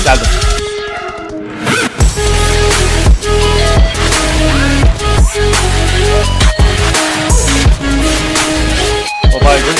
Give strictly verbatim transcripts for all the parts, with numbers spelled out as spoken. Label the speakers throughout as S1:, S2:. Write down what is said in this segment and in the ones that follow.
S1: Geldim. O baygın.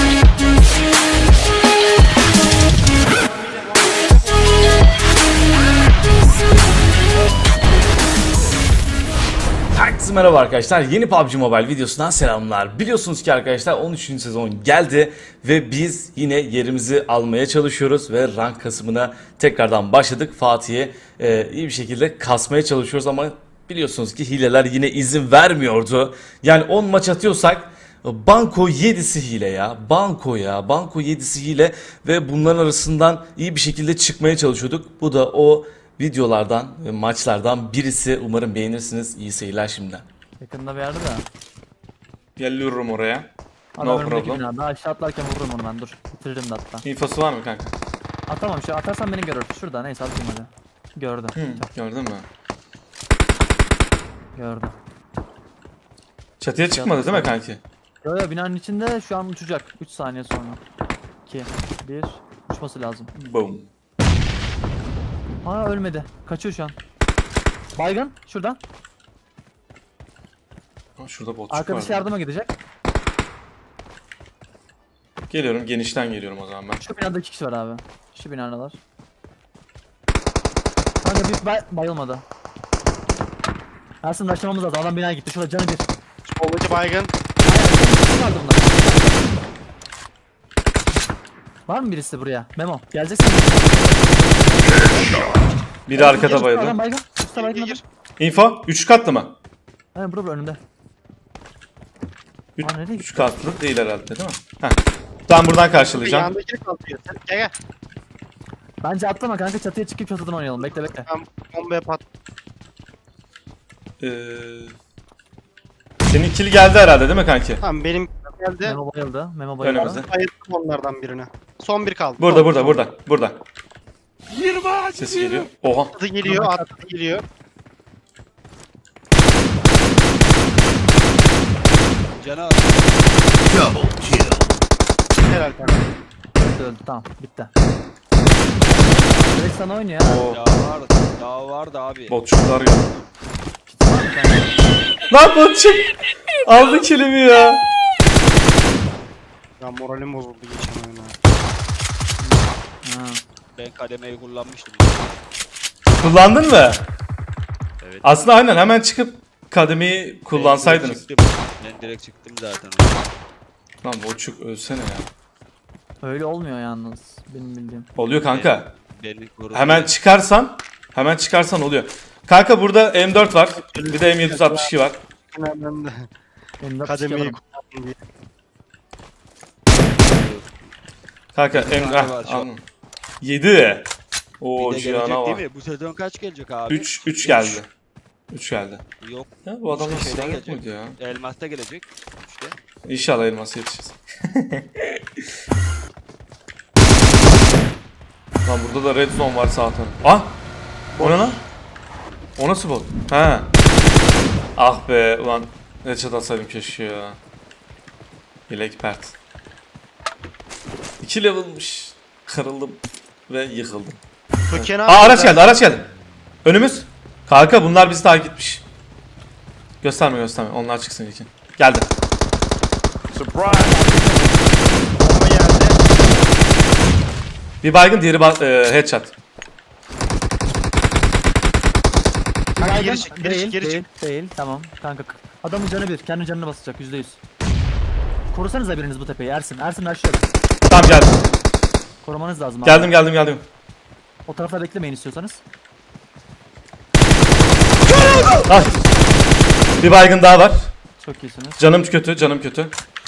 S1: Herkese merhaba arkadaşlar. Yeni P U B G Mobile videosundan selamlar. Biliyorsunuz ki arkadaşlar on üçüncü sezon geldi ve biz yine yerimizi almaya çalışıyoruz ve rank kasımına tekrardan başladık. Fatih'e e, iyi bir şekilde kasmaya çalışıyoruz ama biliyorsunuz ki hileler yine izin vermiyordu. Yani on maç atıyorsak Banko yedisi hile ya. Banko ya. Banko yedisi hile ve bunların arasından iyi bir şekilde çıkmaya çalışıyorduk. Bu da o videolardan ve maçlardan birisi. Umarım beğenirsiniz. İyi seyirler şimdiden.
S2: Yakında bir yerde de.
S1: Geliyorum oraya.
S2: Adam
S1: No
S2: önümdeki
S1: problem.
S2: binada. Aşağı atlarken vururum onu ben, dur. Bitiririm de hatta.
S1: İnfosu var mı kanka?
S2: Atamam şu, atarsan beni görür. Şurada, neyse atayım hadi. Gördü.
S1: Hı, gördün mü?
S2: Gördü.
S1: Çatıya çıkmadı değil mi kanki?
S2: Yo yo, binanın içinde şu an uçacak. üç saniye sonra. iki, bir, uçması lazım.
S1: Boom.
S2: Aa, ölmedi. Kaçıyor şu an. Baygın şuradan.
S1: Aa, şurada botçuk var.
S2: Arkadaşı yardıma gidecek.
S1: Geliyorum, genişten geliyorum o zaman ben.
S2: Şu binada iki kişi var abi. Şu binadalar. Kanka bir bay bayılmadı. Ersin başlamamız lazım. Adam binaya gitti. Şurada canı bir.
S3: Bombacı baygın.
S2: Aynen, vardı bunlar. Var mı birisi buraya? Memo, geleceksin.
S1: Biri arkada
S2: Adam
S1: bayıldı.
S2: baygın. Usta baygın adam.
S3: Gir.
S1: Info, üç katlı mı?
S2: Aynen, bura bura önümde. Aa, nereye
S1: üç katlı değil herhalde değil mi? Heh. Tamam, buradan karşılayacağım.
S3: Yandakini kaldırıyor. Gel gel.
S2: Bence atlama kanka, çatıya çıkıp çatıdan oynayalım. Bekle bekle.
S3: Ben bombaya pat.
S1: Ee, senin kill geldi herhalde değil mi kanki?
S3: Tamam benim geldi.
S2: Memo bayıldı. Memo bayıldı.
S1: Önümüzde.
S3: Ayırdım onlardan birini. Son bir kaldı.
S1: Burada
S3: Son.
S1: burada burada burada. Ses geliyor. Oha.
S3: Atı geliyor, atı geliyor.
S4: Cana
S3: Helal kanka.
S2: Öldü öldü, tamam bitti. Direkt sana oynuyor ya.
S1: Oo.
S4: ya var, ya vardı abi.
S1: Botçuklar geldi.
S2: Var mı kanka?
S1: Lan botçuk. Aldı killimi ya.
S3: Ya moralim bozuldu geçen oyuna.
S2: Ha.
S4: Ben kademeyi kullanmıştım.
S1: Kullandın mı?
S4: Evet.
S1: Aslında aynen hemen çıkıp kademeyi kullansaydınız.
S4: Ben direkt çıktım, ben direkt çıktım zaten.
S1: Lan botçuk ölsene ya.
S2: Öyle olmuyor yalnız benim bildiğim.
S1: Oluyor kanka.
S4: Beni korudu.
S1: Hemen çıkarsan, hemen çıkarsan oluyor. Kanka burada M dört var. Bir de M yedi altmış iki var.
S3: Ben de
S2: Benim de
S3: kademeyi
S2: psikologum.
S3: kullandım diye.
S1: Kanka M
S4: tane
S1: ah,
S4: var şu an.
S1: anladım. yedi.
S4: Bir
S1: Oo
S4: de gelecek
S1: Cihan'a
S4: değil
S1: var.
S4: mi? Bu sezon kaç gelecek abi?
S1: üç üç geldi. üç geldi.
S4: Yok.
S1: Ya bu adamlar
S4: Üçte
S1: silah
S4: şeyden
S1: yok muydu ya?
S4: Elmas'ta gelecek. İşte.
S1: İnşallah elması yetişiriz. Lan burada da red zone var sağ tarafı. Ah! O ne lan? O nasıl bot? He. Ah be ulan. Headshot atsaydım keşke ya. Bilek pert. iki level'mış. Kırıldım ve yıkıldım.
S3: Köken
S1: Aa araç geldi araç geldi. Önümüz. Kanka bunlar bizi takip etmiş. Gösterme gösterme onlar çıksın ilkin. Geldi.
S3: Bomba geldi.
S1: Bir baygın diğeri ba e, headshot.
S3: Kanka
S2: Baygın,
S3: geri çık, geri
S2: değil,
S3: çık, geri
S2: değil,
S3: çık.
S2: değil, tamam kanka. Adamın canı bir, kendi canını basacak yüzde yüz. Korusanıza biriniz bu tepeyi, Ersin. Ersin aşağıda.
S1: Tamam geldim.
S2: Korumanız lazım abi.
S1: Geldim geldim geldim.
S2: O tarafta beklemeyin istiyorsanız.
S1: Ah. Bir baygın daha var.
S2: Çok iyisiniz.
S1: Canım kötü canım kötü.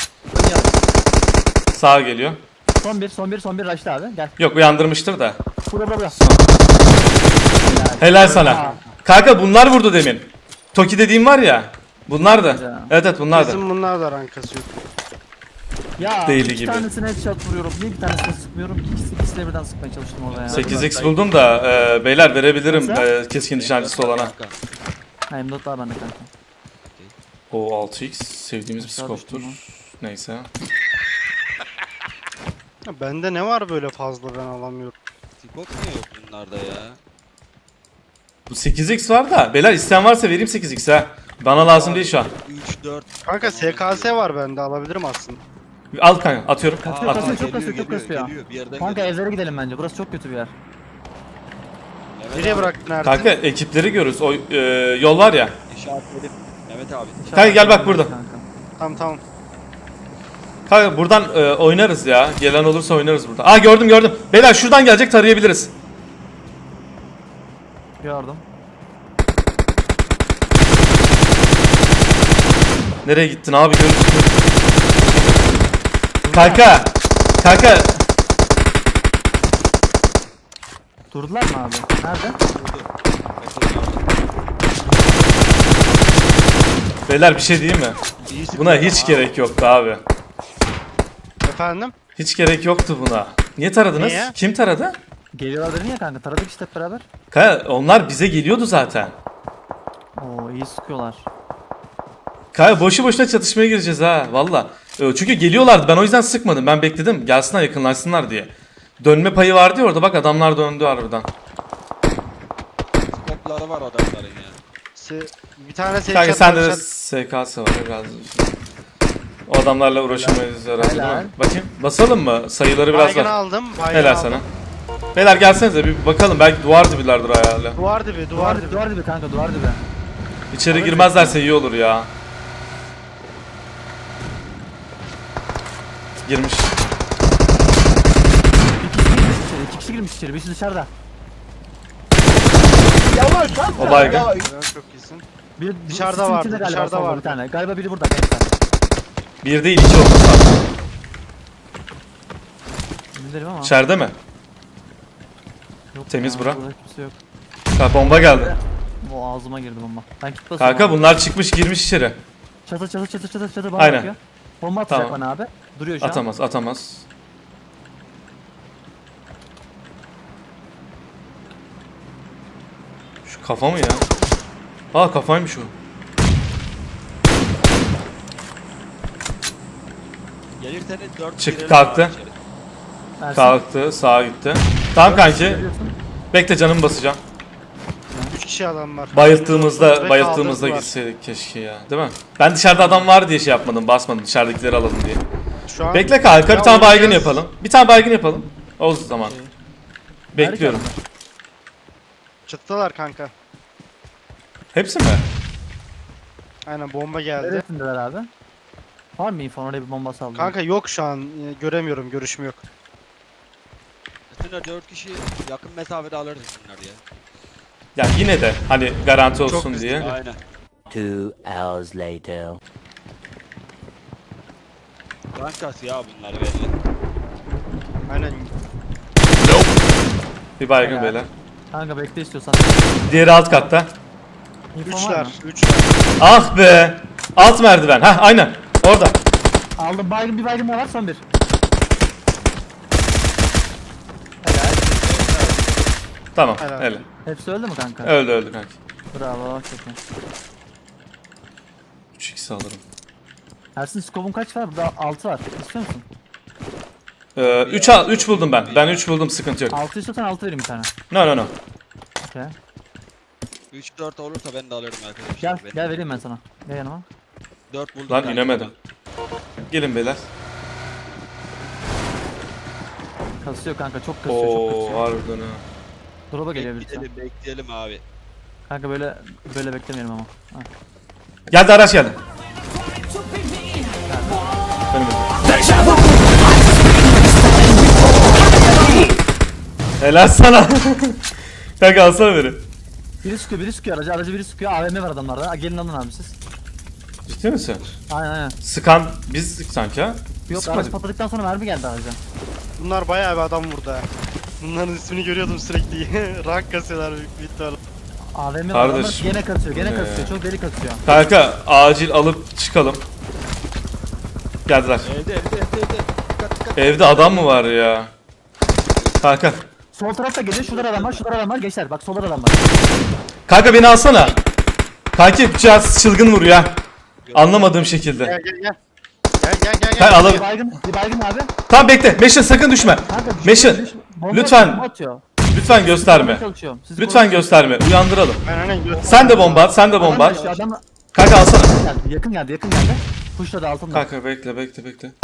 S1: Sağa geliyor.
S2: Son bir, son bir, son bir rush'ta abi. Gel.
S1: Yok uyandırmıştır da.
S2: Bura bura bura.
S1: Helal sana. Kanka bunlar vurdu demin. Toki dediğim var ya. Bunlar da. Evet evet bunlar da.
S3: Bizim bunlar da rankası yok.
S2: Ya
S1: Değil
S2: iki
S1: gibi.
S2: tanesine headshot vuruyorum. Niye bir tanesine sıkmıyorum ki? İkisi, ikisi de birden sıkmaya çalıştım orada ya.
S1: sekiz x buldum da e, beyler verebilirim
S2: Nasıl?
S1: e, keskin nişancısı olana.
S4: Kanka.
S2: Ha, M dört var bende kanka.
S1: O altı x sevdiğimiz bir
S2: Aşağı
S1: skoptur.
S2: düştüm
S1: Neyse.
S3: Ya bende ne var böyle fazla ben alamıyorum.
S4: Skop niye yok bunlarda ya?
S1: Bu sekiz x var da. Beyler isteyen varsa vereyim sekiz x ha. Bana lazım değil şu an.
S4: üç dört.
S3: Kanka S K S var bende, alabilirim aslında.
S1: Al kanka atıyorum.
S2: Kasıyor,
S1: At.
S2: kasıyor, çok kasıyor, çok kasıyor.
S4: Geliyor, bir yerden
S2: Kanka
S4: geliyor.
S2: evlere gidelim bence. Burası çok kötü bir yer.
S4: Mehmet
S3: Nereye
S4: abi,
S3: bıraktın Ersin?
S1: Kanka ekipleri görürüz. O e, yol var ya.
S4: İşaretledim. Mehmet abi.
S1: Kanka gel bak burada.
S2: Kanka.
S3: Tamam tamam.
S1: Kanka buradan e, oynarız ya. Gelen olursa oynarız burada. Aa gördüm gördüm. Beyler şuradan gelecek, tarayabiliriz.
S2: Gördüm.
S1: Nereye gittin abi, görürsün. Kanka. Kanka.
S2: Durdular mı abi? Nerede?
S1: Beyler bir şey diyeyim mi?
S4: İyi
S1: Buna
S4: sıkıyor
S1: hiç
S4: ama.
S1: gerek yoktu abi.
S3: Efendim?
S1: Hiç gerek yoktu buna. Niye taradınız?
S3: Niye?
S1: Kim taradı?
S2: Geliyorlar dedin ya kanka. Taradık işte hep beraber.
S1: Kanka onlar bize geliyordu zaten.
S2: Oo iyi sıkıyorlar.
S1: Kanka boşu boşuna çatışmaya gireceğiz ha valla. Ee, Çünkü geliyorlardı, ben o yüzden sıkmadım. Ben bekledim gelsinler, yakınlaşsınlar diye. Dönme payı vardı ya orada, bak adamlar döndü harbiden.
S4: Skopları var adamların ya.
S3: Se bir tane S K S
S1: Kanka sende de
S3: var.
S1: S K S var biraz. O adamlarla uğraşamayız herhalde değil
S2: Helal.
S1: mi? Bakayım basalım mı? Sayıları biraz
S3: Baygını
S1: var.
S3: aldım. Baygını
S1: Helal
S3: aldım.
S1: sana. Beyler gelsenize bir bakalım, belki duvar dibilerdir hala.
S3: Duvar dibi,
S2: Duvar
S3: duvar
S2: dibi,
S3: dibi.
S2: duvar dibi kanka, duvar dibi.
S1: İçeri girmezlerse iyi olur ya. Girmiş.
S2: İki kişi girmiş içeri, iki kişi girmiş içeri, birisi dışarıda.
S1: O baygın.
S3: Çok iyisin.
S2: Bir
S3: Dışarıda
S2: sisin
S3: vardı,
S2: içinde galiba
S3: dışarıda
S2: solda
S3: vardı.
S2: Bir tane. Galiba biri burada gençler.
S1: Bir değil iki olması lazım.
S2: Bilmiyorum ama.
S1: İçeride mi?
S2: Yok
S1: temiz
S2: ya,
S1: bura.
S2: burada kimse yok.
S1: Ha, bomba geldi.
S2: O ağzıma girdi bomba. Ben kit basıyorum.
S1: Kanka
S2: abi.
S1: bunlar çıkmış girmiş içeri.
S2: Çatı çatı çatı çatı çatı bana
S1: Aynen.
S2: bakıyor. Bomba atacak
S1: Tamam.
S2: bana abi. Duruyor şu an.
S1: Atamaz atamaz. Şu kafa mı ya? Aa kafaymış o.
S4: Gelirsen dört
S1: Çık,
S4: girelim
S1: kalktı.
S4: abi içeri.
S2: Ersin,
S1: Kalktı sağa gitti. Tamam kanki.
S2: görüyorsun.
S1: Bekle canımı basacağım.
S3: Üç kişi adam var.
S1: Bayılttığımızda
S3: Direkt
S1: bayılttığımızda
S3: kaldırdılar.
S1: gitseydik keşke ya. Değil mi? Ben dışarıda adam var diye şey yapmadım, basmadım. Dışarıdakileri alalım diye.
S3: Şu an
S1: Bekle kanka,
S3: Ya
S1: bir tane baygın
S3: oynayacağız.
S1: yapalım. Bir tane baygın yapalım. O zaman. Bekliyorum.
S2: Harika.
S3: çıktılar kanka.
S1: Hepsi mi?
S3: Aynen bomba geldi.
S2: Neresindeler abi? Var mı info? Oraya bir bomba saldım.
S3: Kanka yok şu an, e, göremiyorum, görüşüm yok.
S4: Aslında dört kişi yakın mesafede alırız bunlar ya.
S1: Ya yine de hani garanti olsun
S3: Çok
S1: diye.
S4: Aynen.
S5: Two hours later.
S4: Rankası ya bunlar belli.
S3: Aynen.
S1: Bir baygın
S2: Helal.
S1: beyler.
S2: Kanka bekle istiyorsan.
S1: Diğeri alt katta.
S2: İnfo var
S3: Üçler,
S2: mı?
S3: üçler.
S1: Ah be. Alt merdiven. Hah aynen. Orada.
S2: Aldım baygın, bir baygın daha var, son bir.
S1: Tamam.
S3: Helal.
S1: Öyle.
S2: Hepsi öldü mü kanka?
S1: Öldü öldü kanki.
S2: Bravo, çok iyi.
S1: üç x alırım.
S2: Ersin skopun kaç var? Burada altı var. İstiyor musun?
S1: Ee, üç al üç buldum ben. Ben üç buldum, sıkıntı yok.
S2: altı istiyorsan altı vereyim bir tane.
S1: No no no.
S2: Okey.
S4: üç dört olursa ben de alırım arkadaşlar.
S2: Gel,
S4: Ben
S2: gel vereyim ben sana. Gel yanıma.
S4: dört buldum.
S1: Lan
S4: kanka.
S1: inemedim. Gelin beyler.
S2: Kasıyor kanka, çok kasıyor, çok
S1: Oo
S2: kasıyor.
S1: harbiden ha.
S2: Drop'a geliyor birisi.
S4: Bekleyelim bekleyelim abi.
S2: Kanka böyle böyle beklemeyelim ama. Ha.
S1: Geldi, araç geldi. Önümüzde. Helal sana. Kanka alsana beni.
S2: Biri sıkıyor, biri sıkıyor aracı, aracı biri sıkıyor. A V M var adamlarda. Ha, gelin alın abi siz.
S1: Ciddi misin?
S2: Aynen aynen.
S1: Sıkan biz sık sanki ha.
S2: Yok,
S1: Sıkmadık.
S2: araç patladıktan sonra mermi geldi araca.
S3: Bunlar bayağı bir adam vurdu ha. Bunların ismini görüyordum sürekli. Rank kasıyorlar büyük bir ihtimalle.
S2: A V M var adamlar,
S1: Kardeşim,
S2: gene kasıyor, gene
S1: bu ne
S2: kasıyor.
S1: ya?
S2: Çok deli kasıyor.
S1: Kanka acil alıp çıkalım. Geldiler.
S4: Evde evde evde evde. Dikkat dikkat.
S1: Evde adam mı var ya? Kanka.
S2: Sol tarafta geliyor, şurada adam var, şurada adam var. Gençler bak, solda adam var.
S1: Kanka beni alsana. Kanki biraz çılgın vuruyor ha. Anlamadığım şekilde.
S3: Gel gel gel. Gel gel gel.
S1: Kanka
S3: gel.
S1: alalım.
S2: Bir baygın, bir baygın abi.
S1: Tamam bekle. Meşin sakın düşme.
S2: Kanka,
S1: Meşin,
S2: düş- bomba
S1: lütfen.
S2: atıyor, bomba atıyor.
S1: Lütfen gösterme.
S2: Çalışıyorum. Sizi
S1: Lütfen
S2: korumaya
S1: gösterme. Uyandıralım.
S3: Ben hani göz...
S1: Sen de bomba at. Sen de
S2: çalışıyorum.
S1: bomba
S2: Adam
S1: at.
S2: geldi, adam
S1: Kanka alsana.
S2: geldi. Yakın geldi, yakın geldi. Pushladı altında.
S1: Kanka bekle bekle bekle.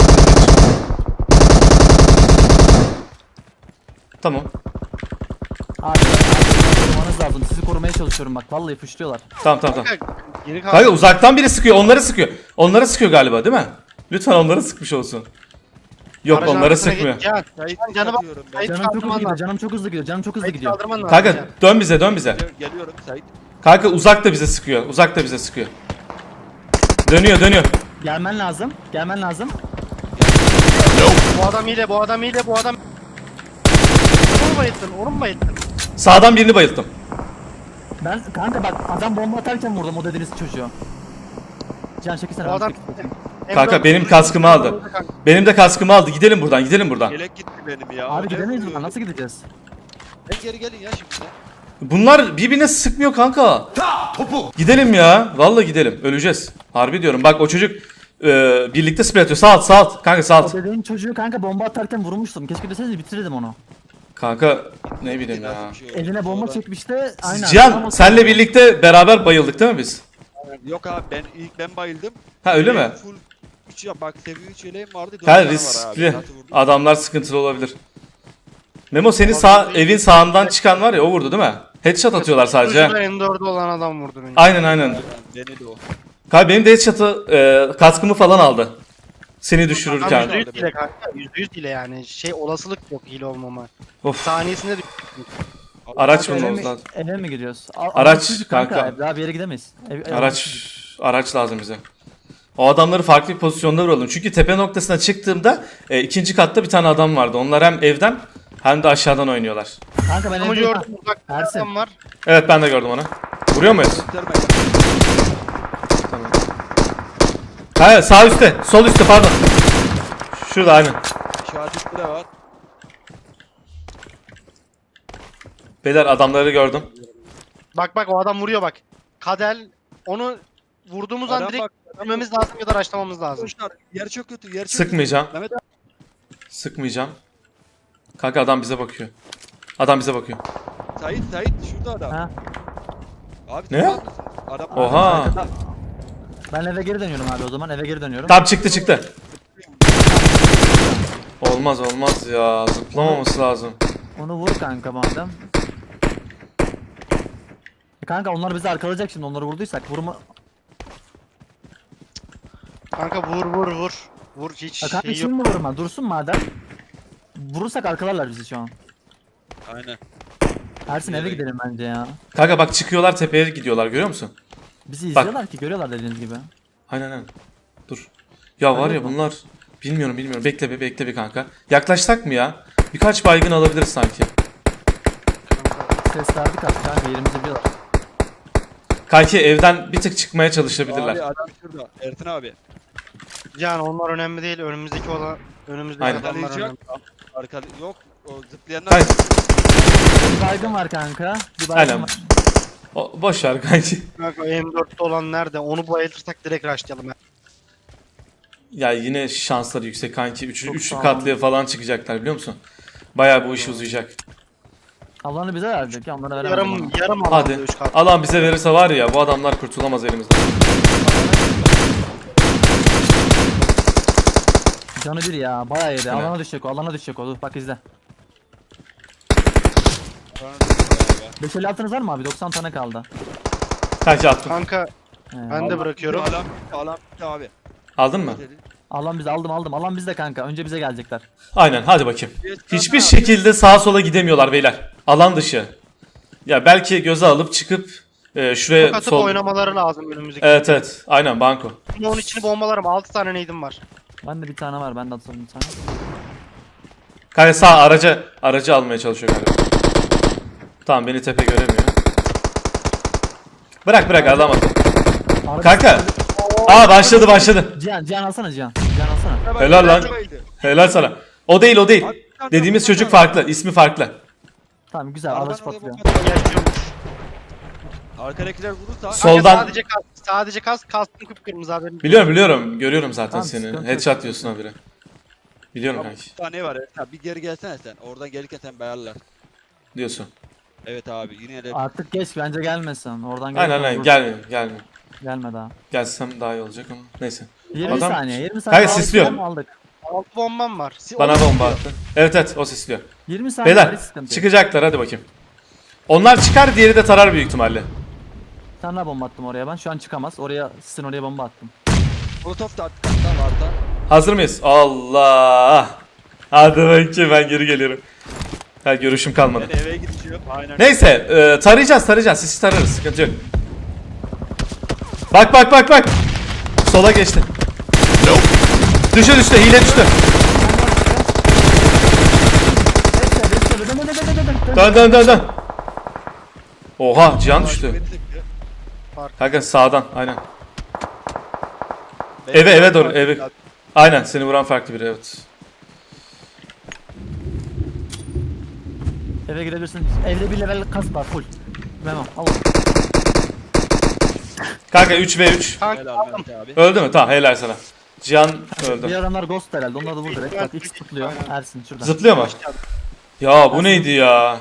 S1: Tamam.
S2: Abi, abi korumanız lazım. Sizi korumaya çalışıyorum bak. Vallahi pushluyorlar.
S1: Tamam tamam tamam.
S3: Kanka, geri kaldı.
S1: Kanka uzaktan biri sıkıyor. Onları sıkıyor. Onları sıkıyor galiba değil mi? Lütfen onları sıkmış olsun. Yok
S3: Aracın
S1: onları
S3: arkasına
S1: sıkmıyor.
S3: geç, Can,
S4: Sait
S3: Can, canı bak.
S4: atıyorum ben.
S3: Sait
S2: Canım çok hızlı
S3: kaldırman
S2: gidiyor.
S3: lazım.
S2: Canım çok hızlı gidiyor. Canım çok hızlı
S3: Sait
S2: gidiyor.
S3: kaldırman lazım.
S1: Kanka
S3: Can.
S1: dön bize dön bize.
S4: Gel- Geliyorum Sait.
S1: Kanka uzak da bize sıkıyor. Uzak da bize sıkıyor. Dönüyor dönüyor.
S2: Gelmen lazım. Gelmen lazım.
S3: Bu adam hile, bu adam hile, bu adam... Onu mu bayılttın, onu mu bayılttın?
S1: Sağdan birini bayılttım.
S2: Ben kanka bak adam bomba atarken vurdum o dediğiniz çocuğu. Can çekilsene.
S3: Bu
S2: ben
S3: adam...
S2: çekeyim.
S1: Kanka benim kaskımı aldı. Benim de kaskımı aldı. Gidelim buradan gidelim buradan.
S4: Yelek gitti benim ya.
S2: Abi
S4: Ne
S2: gidemeyiz
S4: vuruyor?
S2: buradan. Nasıl gideceğiz?
S4: Ben geri gelin ya şimdi.
S1: Bunlar birbirine sıkmıyor kanka. Gidelim ya. Vallahi gidelim. Öleceğiz. Harbi diyorum. Bak o çocuk e, birlikte spray atıyor. Sağ alt sağ alt. Kanka sağ
S2: O
S1: alt.
S2: dediğin çocuğu kanka bomba atarken vurmuştum. Keşke deseniz bitirirdim onu.
S1: Kanka ne bileyim ya.
S4: Nasıl bir şey oldu?
S2: Eline bomba
S4: Sonra-
S2: çekmişti. Aynen.
S1: Cihan
S2: Ama-
S1: senle birlikte beraber bayıldık değil mi biz?
S4: Yok abi ben ilk ben bayıldım.
S1: Ha öyle mi?
S4: Yeleğim Full üç ya bak seviye üç yeleğim vardı. dört
S1: Ha
S4: tane var abi.
S1: riskli.
S4: Zaten vurdum.
S1: Adamlar sıkıntılı olabilir. Memo seni sağ evin sağından çıkan var ya o vurdu değil mi? Headshot atıyorlar sadece. ha.
S3: Şurada M dört'ü olan adam vurdu beni.
S1: Aynen aynen.
S4: Denedi o.
S1: Kanka benim de headshot'ı e, kaskımı falan aldı. Seni
S3: Adam
S1: düşürürken.
S3: yüzde yüz hile kanka, yüzde yüz hile yani. Şey olasılık yok hile olmama.
S1: Of.
S3: Saniyesinde düş...
S1: Araç
S2: Eve
S1: bulmamız
S2: mi,
S1: lazım.
S2: eve mi gidiyoruz? A-
S1: Araç,
S2: araç çocuk kanka.
S1: kanka.
S2: Daha bir yere gidemeyiz. Ev- ev-
S1: Araç araç lazım bize. O adamları farklı bir pozisyonda vuralım. Çünkü tepe noktasına çıktığımda e, ikinci katta bir tane adam vardı. Onlar hem evden hem de aşağıdan oynuyorlar.
S2: Kanka ben
S3: Ama
S2: evde
S3: gördüm uzak bir
S2: Ersin.
S3: adam var.
S1: Evet ben de gördüm onu. Vuruyor muyuz?
S4: Gösterme.
S1: Hayır sağ üstte. Sol üstte pardon. Şurada aynen.
S4: İşaretli de var.
S1: Beyler adamları gördüm.
S3: Bak bak o adam vuruyor bak. Kadel onu vurduğumuz an
S4: Adam
S3: direkt
S4: bak.
S3: ölmemiz lazım ya da raşlamamız lazım.
S4: Koşlar. Yer çok kötü. Yer çok
S1: Sıkmayacağım.
S4: kötü. Mehmet abi.
S1: Sıkmayacağım. Kanka adam bize bakıyor. Adam bize bakıyor.
S4: Sait Sait şurada adam.
S2: Ha.
S4: Abi
S1: Ne?
S4: tutar mısın? Adam
S1: Oha.
S2: Ben eve geri dönüyorum abi o zaman eve geri dönüyorum.
S1: Tam çıktı çıktı. Olmaz olmaz ya. Zıplamaması lazım.
S2: Onu vur kanka madem. E kanka onlar bizi arkalayacak şimdi onları vurduysak vurma.
S3: Kanka vur vur vur. Vur hiç
S2: Ya kanka
S3: şey yok.
S2: şimdi mi vurma dursun madem. Vurursak arkalarlar bizi şu an.
S4: Aynen.
S2: Ersin eve gidelim bence ya.
S1: Kanka bak çıkıyorlar tepeye gidiyorlar görüyor musun?
S2: Bizi izliyorlar ki görüyorlar dediğiniz gibi.
S1: Aynen aynen. Dur. Ya var ya bunlar. Bilmiyorum bilmiyorum. Bekle bir bekle bir kanka. Yaklaşsak mı ya? Birkaç baygın alabiliriz sanki.
S2: Ses verdik artık kanka yerimizi biliyorlar.
S1: Kanki evden bir tık çıkmaya çalışabilirler.
S4: Abi adam şurada. Ertin abi.
S3: Yani onlar önemli değil. Önümüzdeki olan önümüzdeki
S1: Aynen.
S3: adamlar önemli.
S4: Arkalayacak. Arkada yok. O zıplayanlar.
S1: Hayır.
S2: Bir baygın var kanka. Bir baygın
S1: Aynen.
S2: var.
S1: O, boş ver kanki.
S3: Kanka M dört'te olan nerede? Onu bayıltırsak direkt rushlayalım.
S1: Ya yine şansları yüksek kanki. Üç,
S2: Çok
S1: üçlü
S2: sağ ol.
S1: katlıya falan çıkacaklar biliyor musun? Bayağı bu iş uzayacak.
S2: Allah'ını bize verecek ya onlara veremez.
S3: Yarım
S2: Yarım.
S3: yarım
S1: Hadi.
S3: alanda üç kat.
S1: Alan bize verirse var ya bu adamlar kurtulamaz elimizden.
S2: Canı bir ya bayağı yedi.
S1: Ne?
S2: Alana düşecek o alana düşecek o. Dur bak izle. beş elli altınız var mı abi? doksan tane kaldı.
S1: Kanki attım.
S3: Kanka
S2: Ee,
S3: ben de bırakıyorum.
S4: Alan alan bitti abi.
S1: Aldın mı?
S2: Alan bizi aldım aldım. Alan bizde kanka. Önce bize gelecekler.
S1: Aynen hadi bakayım. Hiçbir şekilde sağa sola gidemiyorlar beyler. Alan dışı. Ya belki göze alıp çıkıp e, şuraya
S3: Çok atıp
S1: sol...
S3: oynamaları lazım önümüzdeki.
S1: Evet evet aynen banko.
S3: Onun içini bombalarım. altı tane neydim var.
S2: Ben de bir tane var. Ben de atalım bir tane.
S1: Kanka sağ araca aracı almaya çalışıyor galiba. Tamam beni tepe göremiyor. Bırak bırak adam atın.
S2: Arada-
S1: Kanka. Aa başladı başladı.
S2: Cihan Cihan alsana Cihan. Cihan alsana.
S1: Helal lan. Helal sana. O değil o değil. Dediğimiz çocuk farklı. İsmi farklı.
S2: Tamam güzel. Araç patlıyor.
S3: Yaşıyormuş.
S4: Arkadakiler vurursa
S1: Soldan-
S3: Kanka sadece kas. Sadece kas. Kastım kıpkırmızı haberin.
S1: Biliyorum biliyorum. Görüyorum zaten
S2: Tamam,
S1: seni.
S2: sıkıntı yok.
S1: Headshot diyorsun habire. Biliyorum
S4: Abi
S1: kanki.
S4: bir tane var Ertin abi. Bir geri gelsene sen. Oradan gelirken sen bayarlar.
S1: diyorsun.
S4: Evet abi yine de
S2: Artık geç bence gelmesin. Oradan
S1: Aynen
S2: gelip
S1: aynen
S2: vurur.
S1: gelme gelme.
S2: Gelme daha.
S1: Gelsem daha iyi olacak ama neyse.
S2: yirmi
S1: Adam-
S2: saniye. yirmi saniye.
S1: Kanka
S2: aldık,
S1: sisliyor.
S2: tamam, aldık.
S3: Altı bombam var. Si-
S1: Bana
S3: onu
S1: bomba
S3: istiyor.
S1: attı. Evet evet o sesliyor.
S2: yirmi saniye.
S1: Beyler
S2: hiç sıkıntı yok.
S1: çıkacaklar hadi bakayım. Onlar çıkar diğeri de tarar büyük ihtimalle.
S2: Bir tane daha bomba attım oraya ben. Şu an çıkamaz. Oraya sizin oraya bomba attım.
S4: Molotov da attık hatta vardı.
S1: Hazır mıyız? Allah. Hadi bakayım ben geri geliyorum. Ha görüşüm kalmadı.
S4: Ben eve gideceğim. Aynen.
S1: Neyse e, tarayacağız tarayacağız sisi tararız sıkıntı yok. Bak bak bak bak. Sola geçti. Düştü düştü hile düştü.
S2: Dön, dön, dön, dön, dön, dön.
S1: Dön dön dön dön. Oha Cihan
S4: Beni
S1: düştü.
S4: sıktı.
S1: Kanka sağdan aynen.
S4: Beni
S1: Eve, eve
S4: sıktı.
S1: doğru, eve. Aynen seni vuran farklı biri evet.
S2: Eve girebilirsin. Evde bir level kas var full. Memo al.
S1: Kanka üç ve üç.
S3: Kanka
S4: Helal
S3: aldım.
S4: Mehmet abi.
S1: Öldü mü? Tamam helal sana. Cihan
S2: Bir
S1: öldü.
S2: adamlar ghost herhalde. Onları da vur direkt. Bak X tıklıyor. Ersin şuradan.
S1: Zıplıyor mu? Ya bu neydi ya?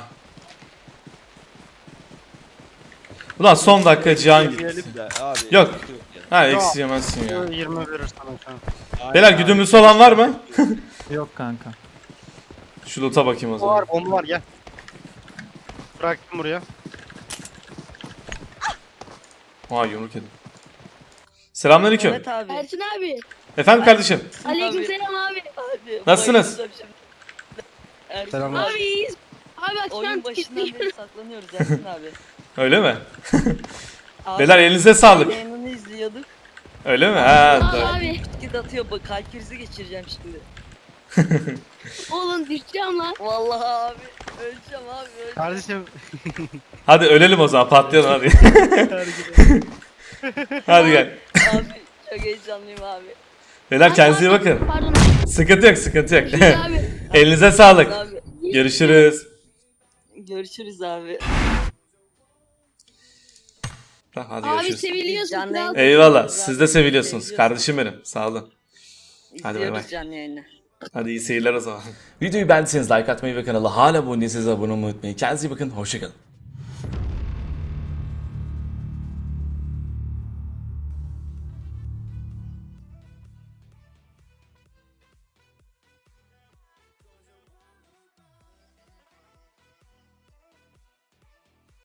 S1: Ulan son dakika Cihan gitti.
S4: Yemeyelim de abi.
S1: Yok.
S4: sıkıntı yok yani.
S1: Ha eksi yemezsin ya.
S3: yirmi verir sana şu an.
S4: Aynen
S1: Beyler
S4: abi.
S1: güdümlüsü olan var mı?
S2: Yok kanka.
S1: Şu loot'a bakayım o
S3: O
S1: zaman.
S3: var bomba var gel. Bıraktım buraya.
S1: Aa yumruk yedim. Selamünaleyküm.
S6: Evet abi.
S7: Ersin abi.
S1: Efendim kardeşim.
S7: Aleykümselam abi.
S6: Abi,
S1: Nasılsınız?
S6: bayıldım şimdi. Ersin
S2: Selamlar.
S6: abi,
S7: Abi iyiyiz. Abi bak şu an
S6: oyun başından beri saklanıyoruz Ersin abi.
S1: Öyle mi?
S6: abi
S1: Beyler elinize sağlık.
S6: yayınını izliyorduk.
S1: Öyle mi? Ha.
S7: Abi,
S1: da-
S7: abi.
S6: Git atıyor bak kalp krizi geçireceğim şimdi.
S7: Oğlum düşeceğim lan.
S6: Vallahi abi öleceğim abi öleceğim.
S3: Kardeşim.
S1: Hadi ölelim o zaman patlayalım hadi. Hadi gel.
S6: Abi çok heyecanlıyım abi.
S1: Beyler kendinize iyi bakın.
S7: Pardon.
S1: Sıkıntı yok sıkıntı yok.
S7: Görüşürüz abi.
S1: Elinize sağlık.
S6: Abi
S1: Görüşürüz.
S6: görüşürüz abi.
S1: Hadi
S7: Abi
S1: görüşürüz.
S7: seviliyorsun.
S6: Canlı
S7: kral.
S6: yayın-
S1: Eyvallah. Siz de seviliyorsunuz. Kardeşim benim. Sağ olun. Hadi bay
S6: İzliyoruz
S1: bay.
S6: canlı yayını.
S1: Hadi iyi seyirler o zaman. Videoyu beğendiyseniz like atmayı ve kanala hala abone değilseniz abone olmayı unutmayın. Kendinize iyi bakın. Hoşçakalın.